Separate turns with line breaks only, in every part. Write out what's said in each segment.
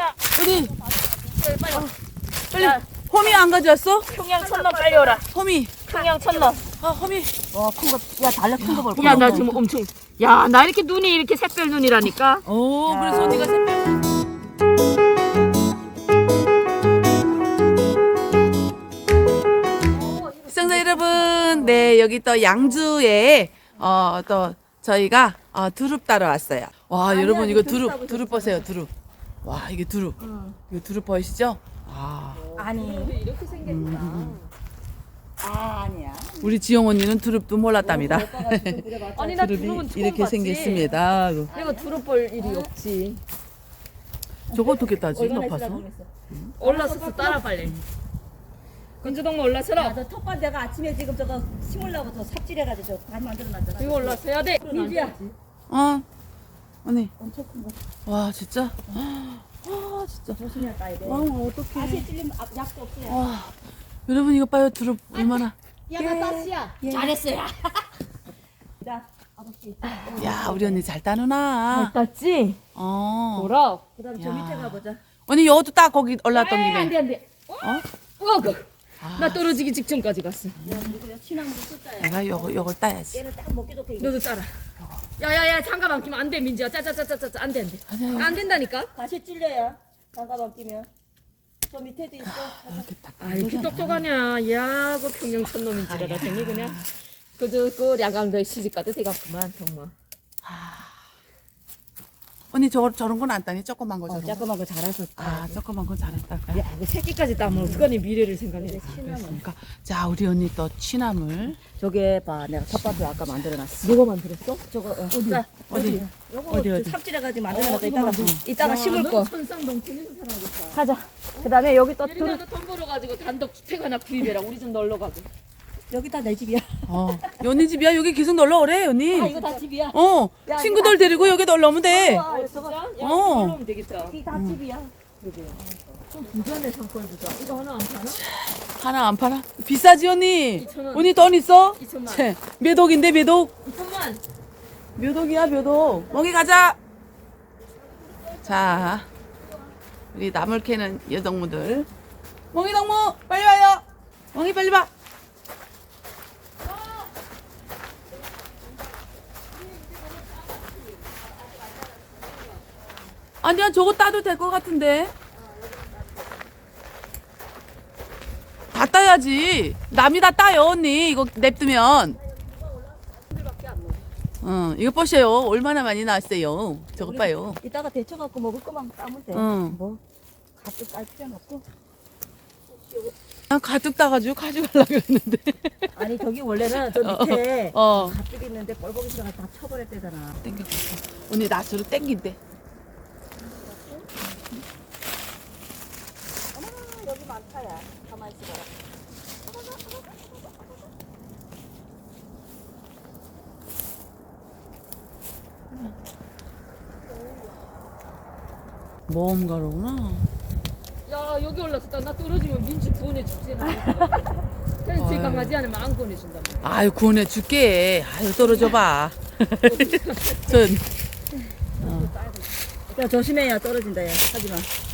어디?
빨리 와.
빨리. 호미 안 가져왔어?
평양 천놈 빨리 오라.
호미.
평양 천놈.
아, 호미.
와, 큰 거. 야, 달래 큰 거 볼 거야.
야, 나 지금 엄청. 야, 나 이렇게 눈이 이렇게 샛별 눈이라니까.
오, 그래서 언니가 샛별. 시청자 여러분, 네, 여기 또 양주에 또 저희가 두릅 따러 왔어요. 와, 여러분 이거 두릅 보세요, 두릅. 와, 이게 두릅. 이거 두릅 보이시죠? 아,
아니.
이렇게 생겼구나.
아니야.
우리 지영 언니는 두릅도 몰랐답니다.
아니, 나
두릅이
두릅은 처음
이렇게
봤지.
생겼습니다.
내가 두릅 볼 일이 없지.
저거 어떻게 따지? 높아서?
올라서서 따라 빨리. 근주동무 올라서라.
야, 너 텃밭 내가 아침에 지금 저거 심으려고 더 삽질해가지고 잘 만들어놨잖아.
이거 올라서야 돼.
민지야.
언니.
엄청 큰 거.
와, 진짜? 와, 진짜.
조심해야 따야 돼.
와, 어떡해.
다시 찔리면 약도 없어요.
와, 여러분 이거 봐요, 두릅 얼마나.
야, 나 땄지야. 잘했어요. 자, 아버지.
야, 우리 언니 잘 따누나.
땄지? 뭐라?
그다음 저
야.
밑에 가보자.
언니 여도 딱 거기 올라왔던
안
김에.
돼, 안 돼. 나 떨어지기 직전까지 갔어.
야, 우리 친한 거 쓸까요?
내가 요걸 따야지.
얘는 딱 먹기 좋게.
너도 따라. 야야야, 장갑 안 끼면 안 돼, 민지야. 짜짜짜짜짜, 안 돼, 안 돼.
아니야.
안 된다니까.
다시 찔려요. 장갑 안 끼면. 저 밑에도 있어.
아, 이렇게 똑똑하냐. 야, 그 평양 천놈인지라 생이 그냥. 그 야간도에 시집 가도 돼갔구만, 정말.
언니 저런 건 안 따니? 조그만 거 저런 거.
조그만 거 잘해서.
조그만 건 잘했다까요?
야, 그 새끼까지 따면 어떡하니 미래를 생각해.
그러니까 자, 우리 언니 또 취나물.
저게 봐, 내가 텃밭을 아까 만들어놨어.
누가 만들었어?
저거 자,
어디?
요거
어디?
삽질해가지고 만들어놨다. 이따가 심을 거.
천상동천에서 살아야겠다.
가자. 그다음에 여기 또
예린이도 돈 벌어가지고 단독 주택 하나 구입해라. 우리 좀 놀러 가고.
여기 다 내 집이야.
언니 집이야? 여기 계속 놀러 오래, 언니.
이거 다 집이야.
야, 친구들 데리고 여기 놀러 오면 돼.
진짜? 야,
어.
놀러 오면 되겠다.
여기 다 집이야.
좀 부자네 상권 부자. 이거 하나 안 파나?
하나 안 팔아? 비싸지, 언니?
2,000원.
언니 돈 있어?
2,000만.
채, 몇 억인데, 몇 억?
2천만.
몇 억이야, 몇 억? 멍이 가자. 자, 우리 나물 캐는 여성분들. 멍이 동무, 빨리 와요. 멍이 빨리 와. 아니야, 저거 따도 될 것 같은데. 다 따야지. 남이 다 따요, 언니. 이거 냅두면. 이거 보세요. 얼마나 많이 나왔어요. 저거 봐요.
이따가 데쳐갖고 먹을 거만 따면 돼.
응.
뭐 가득 딸 필요는 없고.
난 가득 따가지고 가져가려고 했는데.
아니 저기 원래는 저 밑에
어.
가득 있는데 뻘벅이 들어가 다 쳐버렸대잖아.
땡겨. 언니 나 저로 땡긴대.
어머나 여기 많다야. 가만히 있어봐라.
모험가로구나.
야, 여기 올라섰다. 나 떨어지면 민지 구원해 주지. 그래서 제 강아지 하나만 안 구원해준다.
아유, 구원해 줄게. 아유, 떨어져 봐. 전,
야 조심해야 떨어진다 야. 하지마.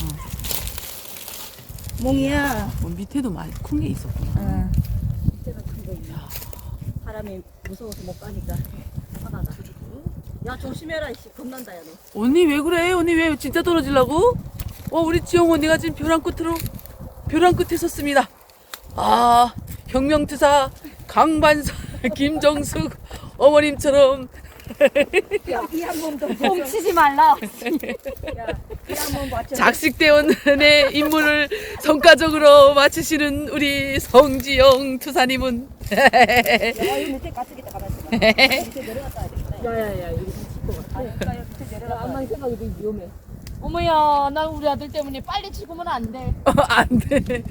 몽이야.
밑에도 많이 큰 게 있었구나.
어. 밑에가 큰 거 있네. 사람이 무서워서 못 가니까 화가 나. 야 조심해라 이씨 겁난다 야 너.
언니 왜 그래? 언니 왜 진짜 떨어지려고? 우리 지영 언니가 지금 벼랑 끝에 섰습니다. 아, 혁명투사 강반사 김정숙 어머님처럼
야이한 몸도
뻥치지 말라.
야이한 맞춰.
작식대원의 임무를 성과적으로 마치시는 우리 성지영 투사님은
야 여기 밑에 가뜩이다 가만히 있어봐. 밑에 내려갔다 와야 되겠다.
야야야, 이거 칠것 같아.
아 여기가 밑에 내려갔다.
암만 생각해도 위험해. 어머야, 나 우리 아들 때문에 빨리 죽으면 안 돼.
안 돼.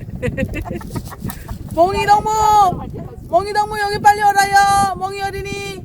멍이 동무 여기 빨리 오라요. 멍이 어린이.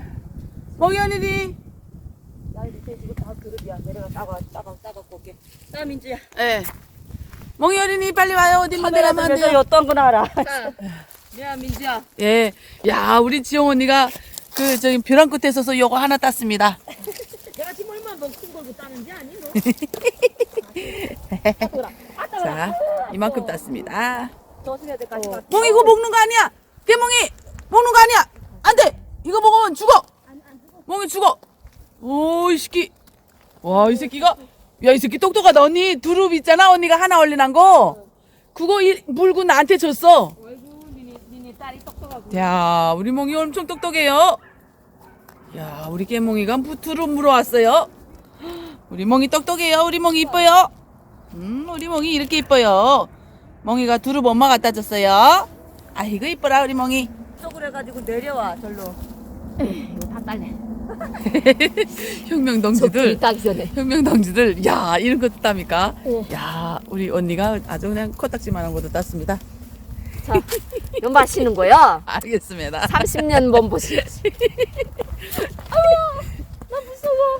야 밑에 지금 다 그릇이야. 내려가 따갖고 올게. 자 민지야.
예. 멍이 어린이 빨리 와요. 어디만 내려가면 안 돼요.
어떤 거나 알아.
자, 야 민지야.
예. 야, 우리 지영 언니가 저기 벼랑 끝에 서서 요거 하나 땄습니다.
내가 지금 얼마나 먹은 걸고 따는지 아니 너?
자, 이만큼 땄습니다.
조심해야 될 것 같아.
멍이 이거 먹는 거 아니야? 깨멍이 먹는 거 아니야? 안 돼. 이거 먹으면 죽어. 멍이 죽어. 오, 이 새끼. 와, 이 새끼가. 야, 이 새끼 똑똑하다. 언니 두릅 있잖아. 언니가 하나 얼린한 거. 그거 물고 나한테 줬어.
아이고 니네 딸이 똑똑하고.
야, 우리 멍이 엄청 똑똑해요. 야, 우리 깨멍이가 두릅 물어왔어요. 우리 멍이 똑똑해요. 우리 멍이 이뻐요. 우리 멍이 이렇게 이뻐요. 멍이가 두릅 엄마 갖다 줬어요. 아이고 이뻐라 우리 멍이.
쪽으로 해가지고 내려와 절로.
이거 다 딸래.
혁명동지들.
따기 전에.
혁명동지들. 야, 이런 것도 땁니까?
네.
야, 우리 언니가 아주 그냥 코딱지만한 것도 땄습니다.
자, 이거 마시는 거야.
알겠습니다.
30년 몸보시. 나 무서워.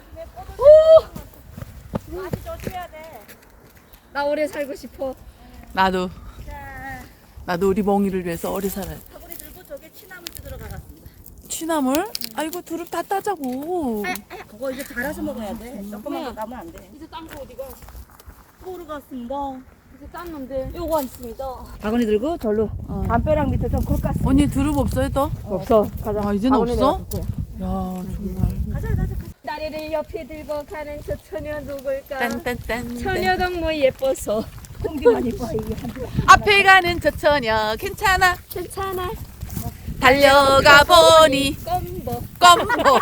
아주 조심해야 돼.
나 오래 살고 싶어.
나도
자,
우리 멍이를 위해서 오래 살아요.
사고리 들고 저게 취나물 뜯으러 가갔습니다.
취나물? 아이고 두릅 다 따자고.
그거 이제 갈아서 먹어야 돼. 조금만 더 가면 안 돼.
이제 딴 거 어디가?
꼬로 갔습니다.
이제 땄는데.
요거 있습니다. 바구니 들고 절로. 담벼락 밑에 좀 굴 깠어.
언니 두릅 없어요 또?
없어. 가자.
아, 이제는
바구니
없어?
내가 줄게.
야, 정말.
가자.
다리를 옆에 들고 가는 저 처녀 누굴까?
딴딴딴.
처녀가 뭐 예뻐서.
공기만 이뻐 이게 한 대.
앞에 가는 저 처녀 괜찮아.
괜찮아.
달려가 보니
껌버.
껌보.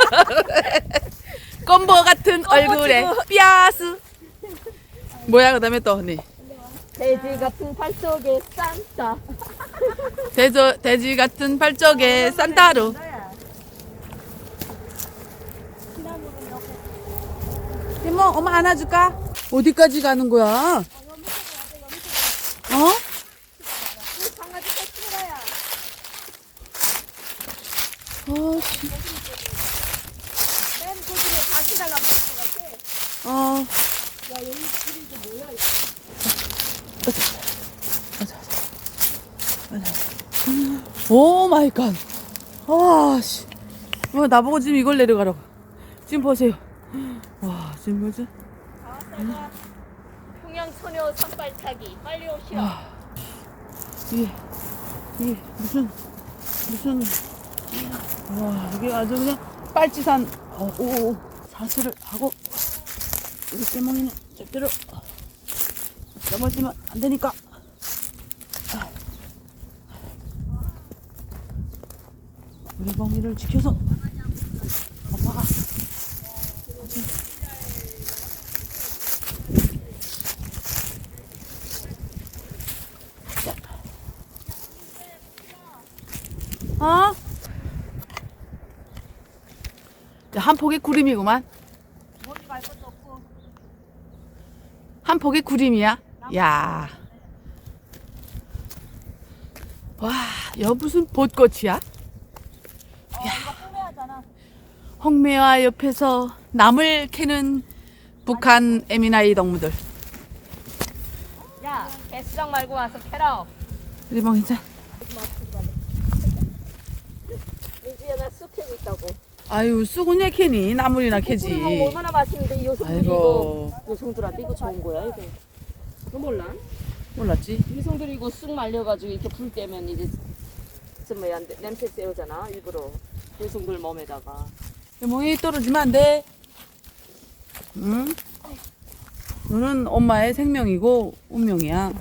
껌보 같은 얼굴에 삐아스. 뭐야 그다음에 또 언니.
돼지 같은 발 속에 산타.
돼지 같은 발적에 산타루. 이모 엄마 안아줄까? 어디까지 가는 거야? 어? 씨. 어. 오 마이 갓. 와, 씨. 나보고 지금 이걸 내려가라고. 지금 보세요. 와, 지금 뭐지?
평양처녀 산발 타기. 빨리 오시오.
이게 무슨 와, 이게 아주 그냥 빨치산 사슬을 하고 우리 깨몽이는 절대로 넘어지면 안 되니까. 우리 멍이를 지켜서 엄마가 어? 한 폭의 구름이구만. 한 폭의 구름이야. 야. 와, 여 무슨 벚꽃이야? 홍매화 옆에서 나물 캐는 북한 에미나이 동무들.
야, 개수장 말고 와서 캐라.
우리 멍이자.
민지야, 나 쑥 캐고 있다고.
아유, 쑥은 왜 캐니? 나물이나 캐지.
쑥 얼마나 맛있는데 이 요성들이
아이고.
이거 요성들한테 이거 좋은 거야 이거. 너 몰라?
몰랐지?
요성들이 이거 쑥 말려가지고 이렇게 불 때면 이제 저 뭐야 냄새 쐬우잖아 일부러. 요성들 몸에다가.
멍이 떨어지면 안 돼. 응? 너는 엄마의 생명이고 운명이야.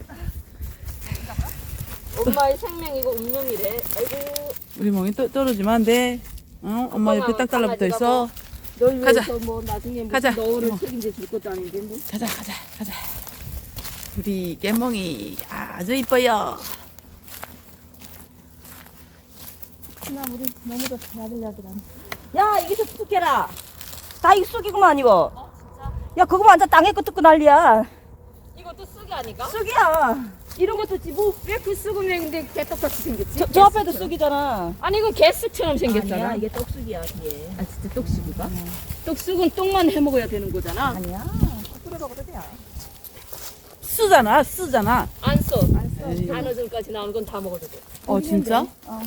엄마의 생명이고 운명이래. 아이고.
우리 멍이 떨어지면 안 돼. 응? 엄마 옆에 딱 달라붙어 있어.
널
가자.
위해서 뭐 나중에 뭐
가자.
너를
이모.
책임져 줄 것도 아닌데 뭐.
가자. 우리 깨멍이 아주 이뻐요.
우리 너무 좋다. 야 이게 쑥 캐라. 다 이거 쑥이구만 이거. 야 그거 완전 땅에 거 뜯고 난리야.
이것도 쑥이 아니까?
쑥이야.
이런 것도 뭐왜그 쑥은 왜 근데 개떡같이 생겼지?
저 앞에도 쑥이잖아.
아니 이거 개쑥처럼 생겼잖아.
아니야 이게 떡쑥이야 뒤에.
아 진짜 떡쑥이가? 떡쑥은 떡만 해 먹어야 되는 거잖아.
아니야. 뿌려 먹어도 돼.
쓰잖아.
안 써.
에이.
단어전까지 나오는 건 다 먹어도 돼.
진짜?
어.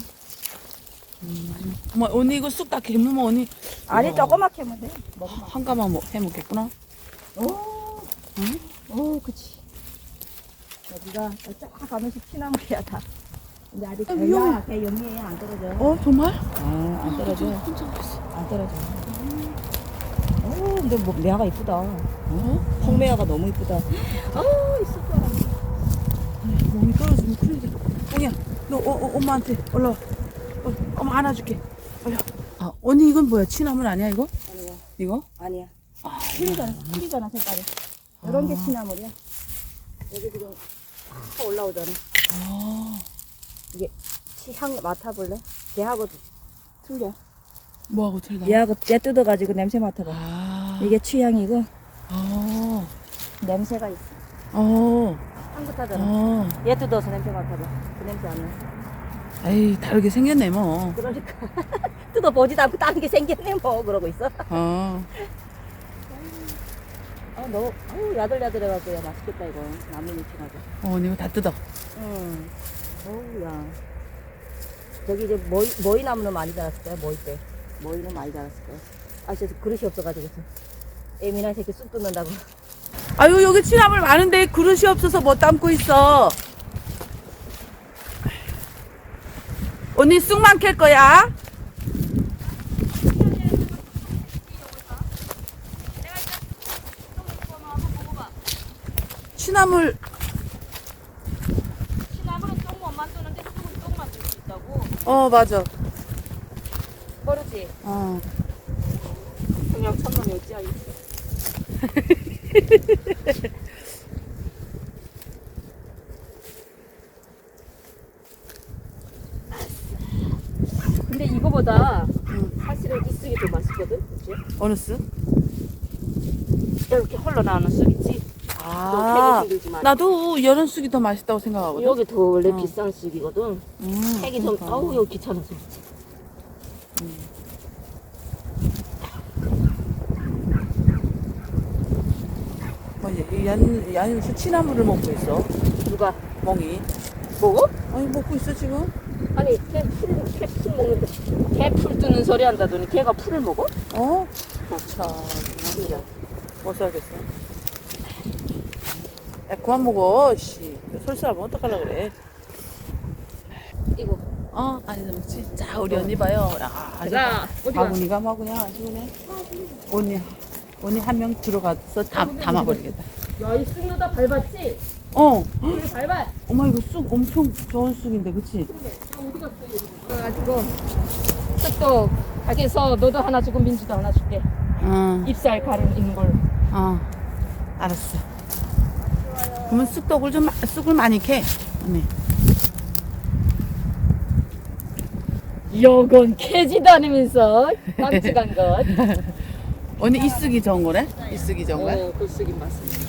어머, 언니 이거 쑥 다 개무면 언니
아니 조그맣게 하면 돼.
한 가마 해 먹겠구나.
오.
응?
오 그치. 여기가 쫙 가면서 취나물이야, 다. 근데 아직
아, 위험해.
개 영리해, 안 떨어져.
정말?
안 떨어져.
혼자 있어.
안 떨어져. 근데 뭐, 매화가 이쁘다. 홍매화가 너무 이쁘다. 있을 거야.
몸이 떨어지면 큰일 돼. ong이야, 너 엄마한테 올라와. 엄마 안아줄게. 올려. 언니 이건 뭐야? 취나물 아니야 이거?
아니야.
이거?
아니야. 틀리잖아, 색깔이. 이런 게 취나물이야. 여기 지금 탁 올라오잖아. 이게 향 맡아볼래? 걔하고 틀려.
뭐하고 틀다?
얘하고 얘 뜯어가지고 냄새 맡아봐. 이게 취향이고 냄새가 있어. 향긋하잖아. 얘 뜯어서 냄새 맡아봐. 그 냄새 안 나.
에이 다르게 생겼네 뭐.
그러니까 뜯어보지도 않고 다른 게 생겼네 뭐 그러고 있어. 너 야들야들해가지고 야 맛있겠다 이거. 나무잎이라고.
언니 이거 다 뜯어.
응. 어우야. 저기 이제 머위 나무는 많이 자랐을 거야. 머위 때. 머위는 많이 자랐을 거야. 진짜 그릇이 없어가지고. 애미나 새끼 쑥 뜯는다고.
아유 여기 취나물 많은데 그릇이 없어서 못 담고 있어. 언니 쑥만 캘 거야? 취나물
시나물은 똥만 만드는데 쑥은 똥 만들 수 있다고.
맞아.
모르지? 그냥 천놈이 어찌 알겠어. 근데 이거보다 사실은 이 쑥이 더 맛있거든, 그치?
어느 쑥?
이렇게 흘러나오는 쑥 있지? 캐기 힘들지만.
나도 이런 쑥이 더 맛있다고 생각하거든.
여기 더 원래 비싼 쑥이거든. 캐기 좀,
그러니까.
여기 귀찮아서.
야는 취나물을 먹고 있어.
누가?
멍이.
먹어?
아니 먹고 있어 지금.
아니, 걔풀 먹는데. 걔 풀 뜨는 소리 한다더니 걔가 풀을 먹어?
참 진짜 못 살겠어. 야 그만 먹어. 씨 솔직하면 어떡하려고 그래.
이거.
아니 먹지. 자 우리 언니 봐요. 아주
어디 가?
바구니가 막 그냥 아주 그냥 언니 한 명 들어가서 담아버리겠다.
야, 이 쑥 넣다 밟았지?
그래
밟아.
엄마 이거 쑥 엄청 좋은 쑥인데 그치?
그래가지고 쑥도 가게에서 너도 하나 주고 민주도 하나 줄게. 잎살 가름 있는 걸로.
알았어. 그러면 쑥을 많이 캐 언니.
요건 캐지도 않으면서 깜찍한 것.
언니 이 쑥이 좋은 거래? 이 쑥이 좋은 거야?
그 쑥이 맞습니다.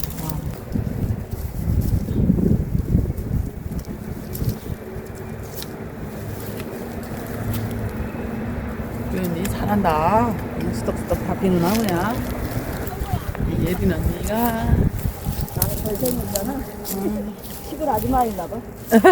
우리 언니 잘한다. 그냥 수덕수덕 다 비누나 그냥. 이 예린 언니가
나는 잘생겼잖아. 시골 아줌마인가 봐.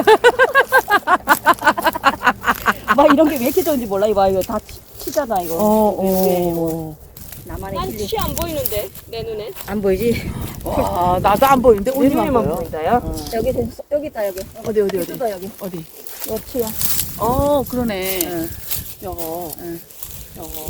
막 이런 게 왜 이렇게 좋은지 몰라. 이거 다 치잖아 이거. 나만의
난
힐링.
치 안 보이는데 내 눈에.
안 보이지?
와 나도 안 보이는데
내
언니만
눈에만
보여.
보인다요. 여기 있다 여기.
어디
뜯어 여기.
어디?
요 치야.
그러네.
응.
요거.
응.
요거.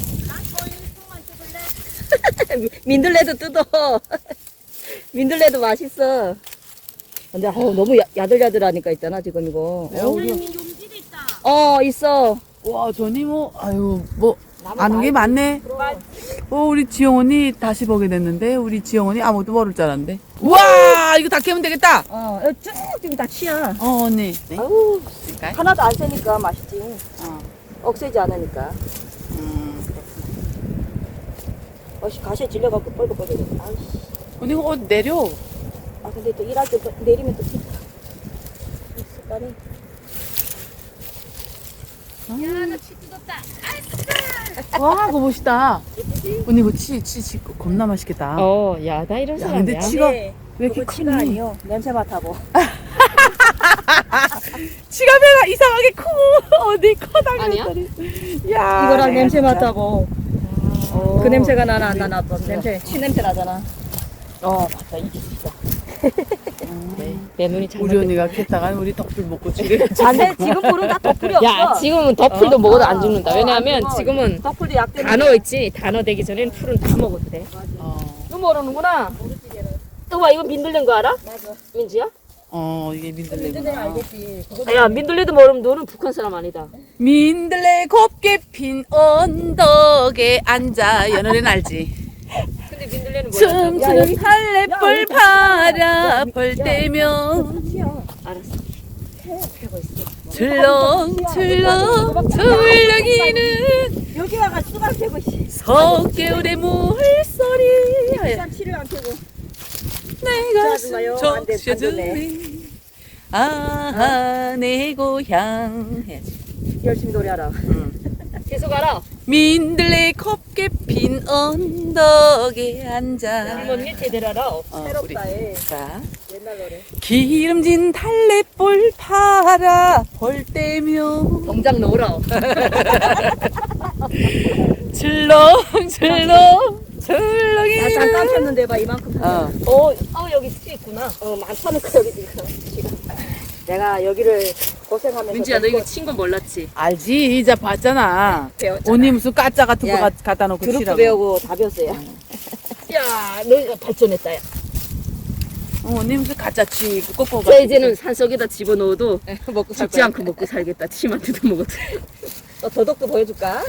민들레도 뜯어. 민들레도 맛있어. 근데 너무 야들야들하니까 있잖아 지금 이거.
야, 우리
용지도 있다.
있어.
와 전이 뭐 아유 뭐 아는 게 많네. 우리 지영 언니 다시 보게 됐는데 우리 지영 언니 아무것도 모를 줄 알았는데. 와 이거 다 캐면 되겠다.
쭉 지금 다 치야.
언니. 네?
아우
그러니까.
하나도 안 세니까 맛있지.
어.
억세지 않으니까. 가시에 질려갖고 뻘뻘뻘뻘. 아이씨.
언니 이거 어디 내려.
근데 또 일할 때 또 내리면 또 춥다. 습관이.
야나치 뜯었다.
와 그거 멋있다. 언니 이거 치 겁나 맛있겠다.
야 나 이런
야 근데 치가 왜 이렇게
그거 치가
크니?
아니요. 냄새 맡아보.
치가 배가 이상하게 크고 어디 커다란
아니야?
소리. 야
이거랑
내가
냄새
진짜.
맡아보. 그 냄새가 나나 안 나나 봐. 냄새 치 냄새 나잖아. 맞다. 이게 있어.
내 눈이 잘
우리 언니가 캤다가 우리 덕불 먹고 지금.
안돼 지금 불은 다 덕불이 없어.
야, 지금은 덧풀도 먹어도 안 죽는다. 왜냐하면
안 죽어.
지금은
덕불도 약되는.
다 넣어있지. 다 넣어되기 전에는 풀은 다 먹어도 돼. 너 모르는구나. 또 봐, 이거 민들레인 거 알아?
맞아.
민지야?
이게
민들레
민들레구나.
알겠지.
야, 민들레도 모르면 너는 북한 사람 아니다.
민들레 곱게 핀 언덕에 앉아. 연어는 알지?
근데 민들레는 뭐야?
춤추는 달래볼 바라볼 때면
알았어.
출렁출렁 출렁이는
여기 와가 수박 캐고 씨.
석개울의 물소리
일단 치를 안 캐고.
내가
마요. 안 돼,
적셔주네 아하 내 고향 해야지.
열심히 노래하라.
계속 알아.
민들레 곱게 핀 언덕에 앉아.
우리 언니 제대로 알아.
새롭다, 애.
자,
옛날 노래.
기름진 달래볼 바라볼 때면
동작 넣으라.
출렁출렁 출렁이
나 잠깐 폈는데 봐 이만큼.
여기 수 있구나.
많다는 거 여기 지금. 내가 여기를 고생하면서.
민지야, 너 이거 친 건 몰랐지?
알지 이제 봤잖아.
배웠잖아.
언니 무슨 까짜 같은 거
야,
갖다 놓고
드롭도
치라고.
배우고 다 배웠어요.
야, 너 이거 발전했다, 야.
언니 무슨 가짜 치고 꼬꼬가.
자, 이제는 산속에다 집어넣어도
먹고 살
죽지
거야.
않고 먹고 살겠다. 침한테도 먹어도.
너 도덕도 보여줄까?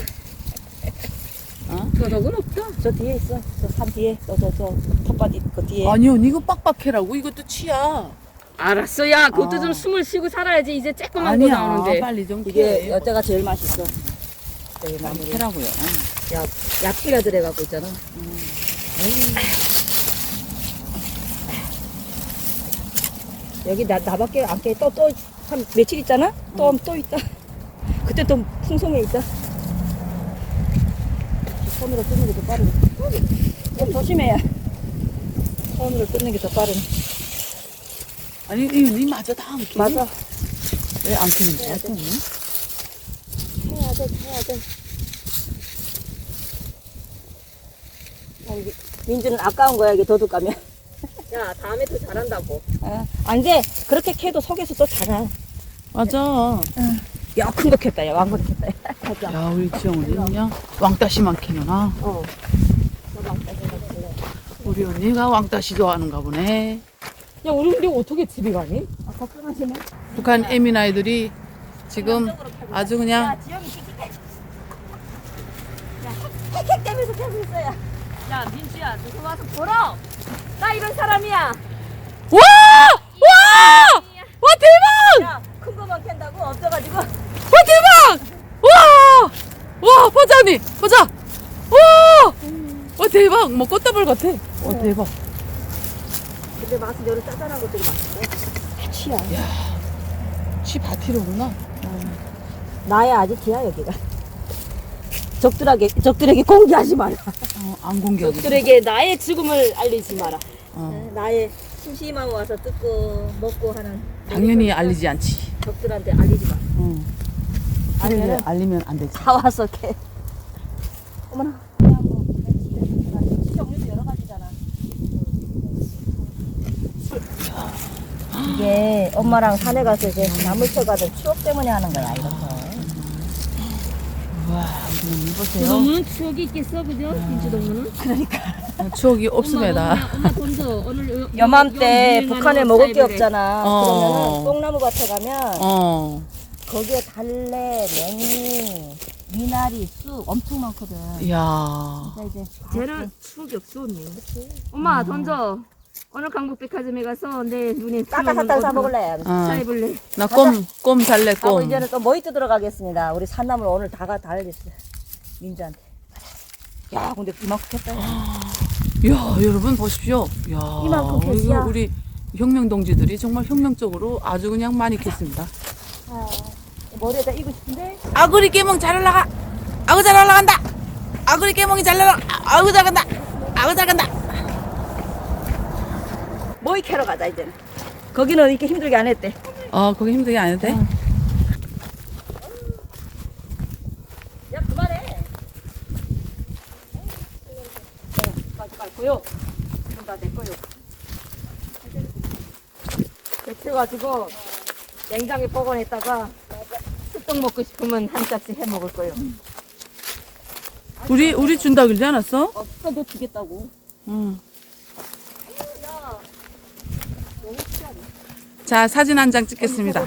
도덕은 없다.
저 뒤에 있어. 저 산 뒤에. 저 텃밭 그 뒤에.
아니 언니 이거 빡빡해라고 이것도 치야.
알았어, 야. 그것도
아.
좀 숨을 쉬고 살아야지. 이제 쬐끄만 거
아니야
나오는데.
빨리 좀
이게
캐.
여자가 제일 맛있어. 제일 마무리.
캐라고요.
야, 야채가 들어가고 있잖아. 여기 나밖에 안 깨. 또 한 며칠 있잖아? 또 있다. 그때 또 풍성해 있다. 손으로 뜯는 게 더 빠르네. 좀 조심해야. 손으로 뜯는 게 더 빠르네.
아니 이 언니 맞아 다 안 캐.
맞아.
왜 안 캐는 거야? 또 언니?
해야 돼. 민주는 아까운 거야, 이게 도둑 가면.
야, 다음에 더 잘한다고.
안 돼. 그렇게 캐도 속에서 또 자라.
맞아.
야, 큰 거 캤다. 야, 왕거리 캤다. 야, 가자.
야 우리 지영 언니 그냥 왕따시만 캐는아. 우리 언니가 왕따시 좋아하는가 보네.
야, 우리 근데 어떻게 집에 가니?
걱정하지 마.
북한 애민 아이들이 지금 아주 그냥
야, 지영이 킥킥해. 야, 킥킥대면서 캐고 있어요.
야, 민지야, 너서 와서 보러. 나 이런 사람이야.
와! 대박!
야, 큰 거만 캔다고 없어가지고.
와 대박! 와 보자 언니 보자. 와 대박 뭐 꽃다발 같아. 와 대박.
근데 맛은 여러 짜잘한 것들이 맛있어. 치야.
치 바티로구나.
나의 아지트야, 여기가. 적들에게 공개하지 마라.
안 공개하고.
적들에게 나의 죽음을 알리지 마라.
나의 심심하고 와서 뜯고 먹고 하는.
당연히 알리지 않지.
적들한테 알리지 마.
알리면 안 되지.
다 와서 캐. 어머나. 종류도 여러 가지잖아. 이게 엄마랑 산에 가서 이제 나물 쳐가던 추억 때문에 하는 거야, 이런 거.
와 우리 언니 보세요.
너무는 추억이 있겠어, 그죠? 민지 동무는?
추억이 없습니다.
엄마 돈도 오늘
요맘때 북한에 먹을 게 없잖아.
어.
그러면은 뽕나무 밭에 가면 거기에 달래, 냉이, 미나리, 쑥 엄청 많거든.
이야.
자, 이제
쟤는 추억이 없어, 언니. 엄마, 던져. 오늘 강북백화점에 가서 내 눈에
까딱까딱 사 먹을래.
사입을래.
나 꼼 살래
하고
꼼.
이제는 또 모히또 들어가겠습니다. 우리 산나물 오늘 다 알렸어. 민주한테. 야, 근데 이만큼 켰다.
야 여러분 보십시오. 야
이만큼 캐시야.
우리 혁명 동지들이 정말 혁명적으로 아주 그냥 많이 캤습니다.
머리에다 이고 싶은데.
아구리 깨몽 잘 올라가. 아구 잘 올라간다. 아구리 깨몽이 잘 올라가. 아구 잘 간다. 아구 잘 간다.
모이 캐러 가자 이제는. 거기는 이렇게 힘들게 안 했대.
거기 힘들게 안 해도 돼?
야, 그만해. 빨리 고요. 이건 다 내 거요.
그래가지고 냉장에 보관했다가 쑥떡 먹고 싶으면 한 짝씩 해 먹을 거예요.
우리 준다 그러지 않았어?
없어도 주겠다고.
응. 자, 사진 한 장 찍겠습니다.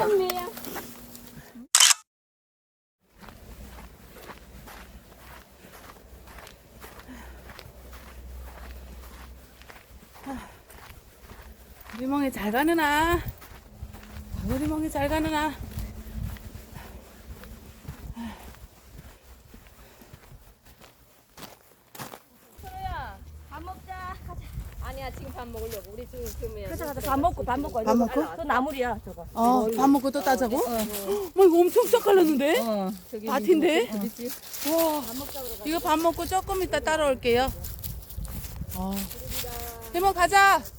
우리 멍이 잘 가느나? 우리 멍이 잘 가느나?
밥 먹자. 가자.
아니야 지금 밥 먹으려고. 우리 지금 그러면
가자 가자. 밥 먹고.
밥 먹고?
그 나물이야 저거.
밥 먹고 또 따자고? 뭐 이거 엄청 싹 갈랐는데?
저기
밭인데?
어디지?
와, 이거 밥 먹고 조금 이따 따라올게요. 이모 가자.